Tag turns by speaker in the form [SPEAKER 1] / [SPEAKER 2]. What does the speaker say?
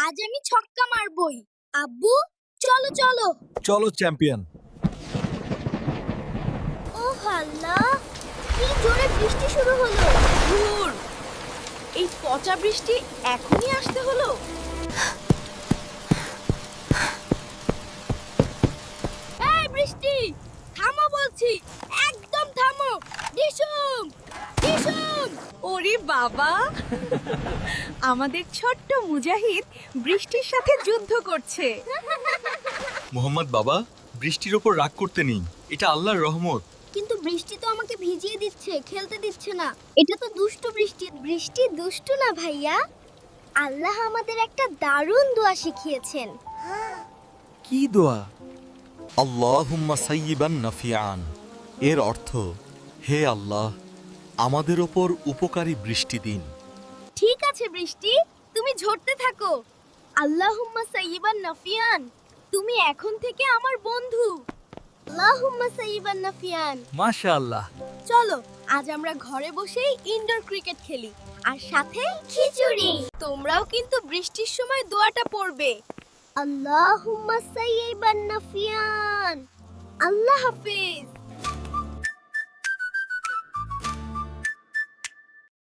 [SPEAKER 1] আজ আমি ছক্কা মারবই। আব্বু, চলো চলো।
[SPEAKER 2] চলো চ্যাম্পিয়ন।
[SPEAKER 1] ও আল্লাহ, কি জোরে বৃষ্টি শুরু হলো।
[SPEAKER 3] ধুর, এই পচা বৃষ্টি এখনই আসতে হলো।
[SPEAKER 1] এই বৃষ্টি, থামো বলছি, একদম থামো। ডিসুম ডিসুম।
[SPEAKER 3] ওরে বাবা, আমাদের ছোট্ট মুজাহিদ বৃষ্টির সাথে যুদ্ধ করছে।
[SPEAKER 2] মোহাম্মদ বাবা, বৃষ্টির ওপর রাগ করতে নেই, এটা আল্লাহর রহমত।
[SPEAKER 1] কিন্তু বৃষ্টি তো আমাকে ভিজিয়ে দিচ্ছে, খেলতে দিচ্ছে না। এটা তো দুষ্টু বৃষ্টি। বৃষ্টি দুষ্টু না ভাইয়া। আল্লাহ আমাদের একটা দারুণ দোয়া শিখিয়েছেন।
[SPEAKER 2] কি দোয়া? আল্লাহুম্মা সাইয়িবান নাফিআন। এর অর্থ, হে আল্লাহ, আমাদের ওপর উপকারী বৃষ্টি দিন।
[SPEAKER 1] ঠিক আছে বৃষ্টি, তুমি ঝরতে থাকো। আল্লাহুম্মা সাইয়িবান নাফিয়ান, তুমি এখন থেকে আমার বন্ধু। আল্লাহুম্মা সাইয়িবান নাফিয়ান।
[SPEAKER 2] মাশাআল্লাহ।
[SPEAKER 1] চলো, আজ আমরা ঘরে বসেই ইনডোর ক্রিকেট খেলি, আর সাথে খিচুড়ি। তোমরাও কিন্তু বৃষ্টির সময় দোয়াটা পড়বে। আল্লাহুম্মা সাইয়িবান নাফিয়ান। আল্লাহ হাফেজ।